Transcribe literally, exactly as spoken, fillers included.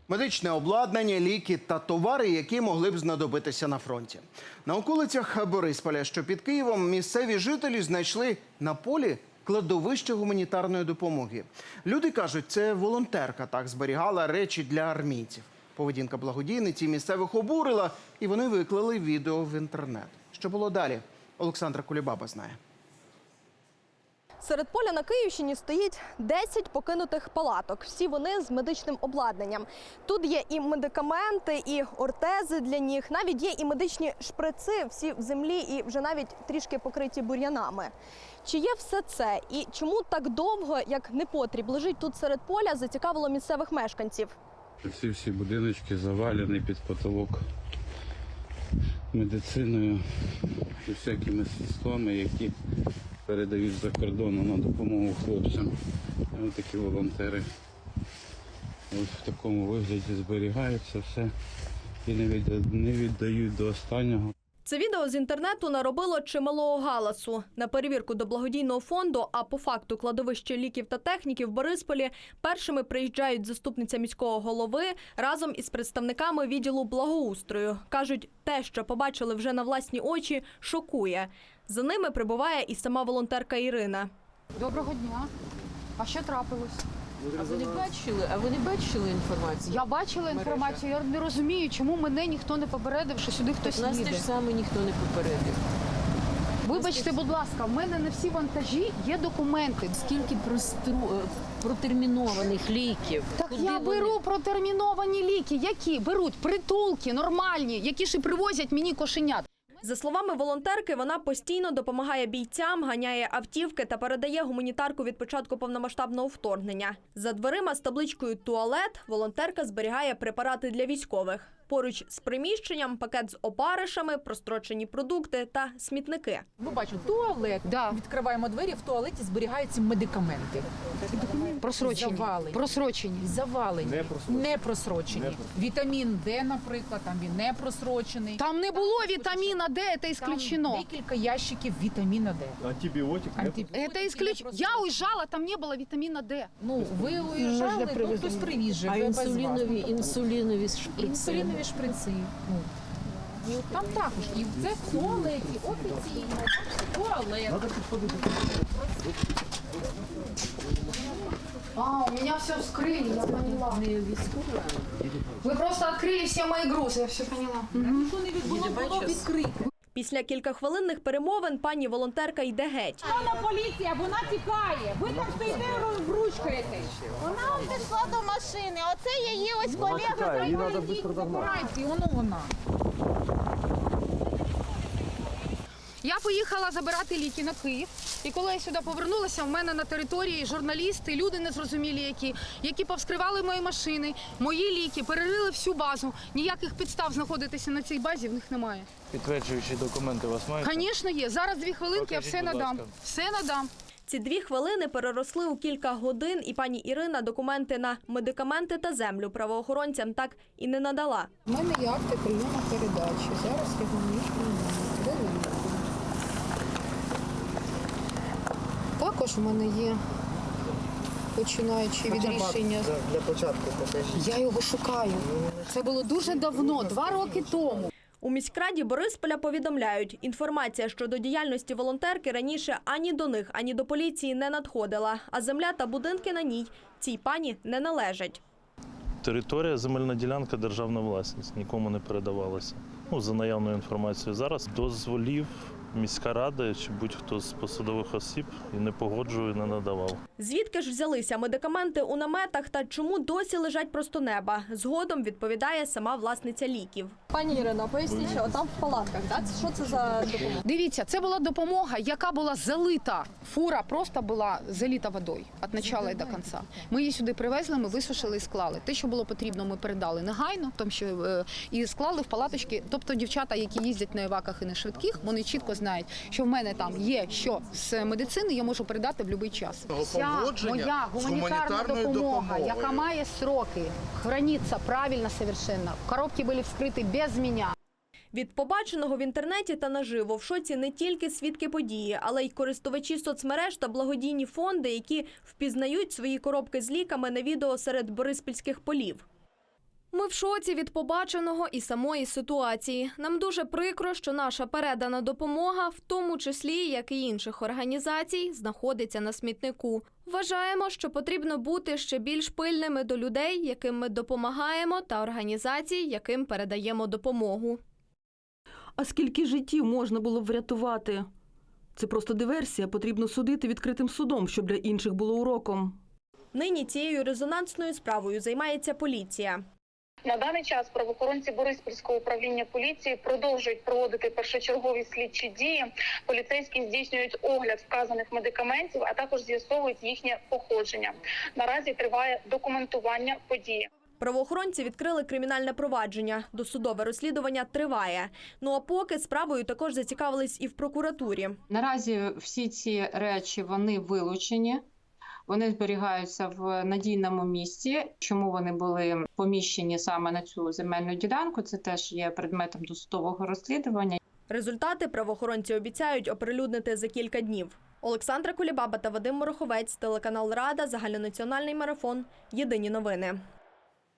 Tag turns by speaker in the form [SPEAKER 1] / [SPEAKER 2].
[SPEAKER 1] Медичне обладнання, ліки та товари, які могли б знадобитися на фронті. На околицях Борисполя, що під Києвом, місцеві жителі знайшли на полі кладовище гуманітарної допомоги. Люди кажуть, це волонтерка так зберігала речі для армійців. Поведінка благодійниці місцевих обурила, і вони виклали відео в інтернет. Що було далі? Олександра Кулібаба знає.
[SPEAKER 2] Серед поля на Київщині стоїть десять покинутих палаток. Всі вони з медичним обладнанням. Тут є і медикаменти, і ортези для ніг. Навіть є і медичні шприци, всі в землі і вже навіть трішки покриті бур'янами. Чи є все це? І чому так довго, як непотріб, лежить тут серед поля, зацікавило місцевих мешканців?
[SPEAKER 3] Ці всі будиночки завалені під потолок медициною і всякими средствами, які передають за кордону на допомогу хлопцям. Ось такі волонтери ось в такому вигляді зберігаються все і не віддають до останнього.
[SPEAKER 2] Це відео з інтернету наробило чималого галасу. На перевірку до благодійного фонду, а по факту кладовище ліків та техніки в Борисполі, першими приїжджають заступниця міського голови разом із представниками відділу благоустрою. Кажуть, те, що побачили вже на власні очі, шокує. За ними прибуває і сама волонтерка Ірина.
[SPEAKER 4] Доброго дня. А що трапилось?
[SPEAKER 5] А ви не бачили? А ви не бачили інформацію?
[SPEAKER 4] Я бачила інформацію, я не розумію, чому мене ніхто не попередив, що сюди хтось
[SPEAKER 5] Нас
[SPEAKER 4] їде.
[SPEAKER 5] теж саме ніхто не попередив.
[SPEAKER 4] Вибачте, будь ласка, в мене на всі вантажі є документи.
[SPEAKER 5] Скільки простру... протермінованих ліків?
[SPEAKER 4] Так
[SPEAKER 5] Куди
[SPEAKER 4] я
[SPEAKER 5] вони?
[SPEAKER 4] беру протерміновані ліки. Які? Беруть притулки, нормальні, які ж і привозять мені кошенят.
[SPEAKER 2] За словами волонтерки, вона постійно допомагає бійцям, ганяє автівки та передає гуманітарку від початку повномасштабного вторгнення. За дверима з табличкою «Туалет» волонтерка зберігає препарати для військових. Поруч з приміщенням пакет з опаришами, прострочені продукти та смітники.
[SPEAKER 6] Ми бачимо туалет,
[SPEAKER 4] Да.
[SPEAKER 6] відкриваємо двері, в туалеті зберігаються медикаменти.
[SPEAKER 4] Просрочені.
[SPEAKER 6] Завалені.
[SPEAKER 4] Просрочені.
[SPEAKER 6] Завалені, не просрочені. Не просрочені. Вітамін Д, наприклад, там він не просрочений.
[SPEAKER 4] Там не було вітаміна Д, це
[SPEAKER 6] Там
[SPEAKER 4] исключено.
[SPEAKER 6] декілька ящиків вітаміна Д.
[SPEAKER 7] Антибиотик нет?
[SPEAKER 6] Антибіотики
[SPEAKER 4] Это
[SPEAKER 6] не
[SPEAKER 4] исключено. Я
[SPEAKER 6] просрочені.
[SPEAKER 4] уезжала, там не было витамина Д.
[SPEAKER 6] Ну, ви уїжджали, то хтось привіз же,
[SPEAKER 5] А
[SPEAKER 6] ви без вас.
[SPEAKER 5] інсулінові, інсулінові шприци?
[SPEAKER 6] Інсулінові шприци. Ну. І от там також. І це в туалеті, офіційно. Туалет.
[SPEAKER 4] А, у меня все вскрыли, я поняла.
[SPEAKER 5] Не військова.
[SPEAKER 4] Вы просто открыли все мои грузы, я все поняла.
[SPEAKER 6] Ніхто не відбуло,
[SPEAKER 5] Їде,
[SPEAKER 6] було
[SPEAKER 5] бачиш?
[SPEAKER 6] відкрите.
[SPEAKER 2] Після кількахвилинних перемовин пані волонтерка йде геть.
[SPEAKER 8] Вона поліція, вона тікає. Ви там стоїте, розбручкаєте. Вона пішла до машини. Оце її ось колега.
[SPEAKER 7] Її треба швидко догнати.
[SPEAKER 6] Забирайте, і воно вона.
[SPEAKER 4] Я поїхала забирати ліки на Київ. І коли я сюди повернулася, в мене на території журналісти, люди незрозумілі які, які повскривали мої машини, мої ліки, перерили всю базу. Ніяких підстав знаходитися на цій базі в них немає.
[SPEAKER 9] Підтверджуючі документи у вас мають?
[SPEAKER 4] Звісно, є. Зараз дві хвилинки, я
[SPEAKER 9] Покажіть,
[SPEAKER 4] все
[SPEAKER 9] будь
[SPEAKER 4] надам.
[SPEAKER 9] ласка.
[SPEAKER 4] Все надам.
[SPEAKER 2] Ці дві хвилини переросли у кілька годин, і пані Ірина документи на медикаменти та землю правоохоронцям так і не надала.
[SPEAKER 4] У мене є акти прийому передачі. Зараз я вам їх приймаю. Також у мене є, починаючи від рішення.
[SPEAKER 7] Для початку покажіть.
[SPEAKER 4] Я його шукаю. Це було дуже давно, два роки тому.
[SPEAKER 2] У міськраді Борисполя повідомляють, інформація щодо діяльності волонтерки раніше ані до них, ані до поліції не надходила, а земля та будинки на ній цій пані не належать.
[SPEAKER 9] Територія, земельна ділянка, державна власність, нікому не передавалася. Ну, за наявною інформацією. Зараз дозволів міська рада чи будь-хто з посадових осіб і не погоджує, не надавав.
[SPEAKER 2] Звідки ж взялися медикаменти у наметах та чому досі лежать просто неба? Згодом відповідає сама власниця ліків. Пані Ірино, поясніть, що там в палатках, так? Що це за допомога?
[SPEAKER 4] Дивіться, це була допомога, яка була залита. Фура просто була залита водою від початку і до кінця. Ми її сюди привезли, ми висушили і склали. Те, що було потрібно, ми передали негайно, тому що е, і склали в палаточки. Тобто дівчата, які їздять на іваках і на швидких, вони чітко знають, що в мене там є що з медицини, я можу передати в будь-який час. Вся моя гуманітарна допомога, яка має сроки, храниться правильно совершенно. Коробки були вскриті без мене.
[SPEAKER 2] Від побаченого в інтернеті та наживо в шоці не тільки свідки події, але й користувачі соцмереж та благодійні фонди, які впізнають свої коробки з ліками на відео серед бориспільських полів. Ми в шоці від побаченого і самої ситуації. Нам дуже прикро, що наша передана допомога, в тому числі, як і інших організацій, знаходиться на смітнику. Вважаємо, що потрібно бути ще більш пильними до людей, яким ми допомагаємо, та організацій, яким передаємо допомогу.
[SPEAKER 10] А скільки життів можна було б врятувати? Це просто диверсія, потрібно судити відкритим судом, щоб для інших було уроком.
[SPEAKER 2] Нині цією резонансною справою займається поліція.
[SPEAKER 11] На даний час правоохоронці Бориспільського управління поліції продовжують проводити першочергові слідчі дії. Поліцейські здійснюють огляд вказаних медикаментів, а також з'ясовують їхнє походження. Наразі триває документування події.
[SPEAKER 2] Правоохоронці відкрили кримінальне провадження. Досудове розслідування триває. Ну а поки справою також зацікавились і в прокуратурі.
[SPEAKER 12] Наразі всі ці речі, вони вилучені. Вони зберігаються в надійному місці. Чому вони були поміщені саме на цю земельну ділянку, це теж є предметом досудового розслідування.
[SPEAKER 2] Результати правоохоронці обіцяють оприлюднити за кілька днів. Олександра Кулібаба та Вадим Мороховець, телеканал Рада, загальнонаціональний марафон. Єдині новини.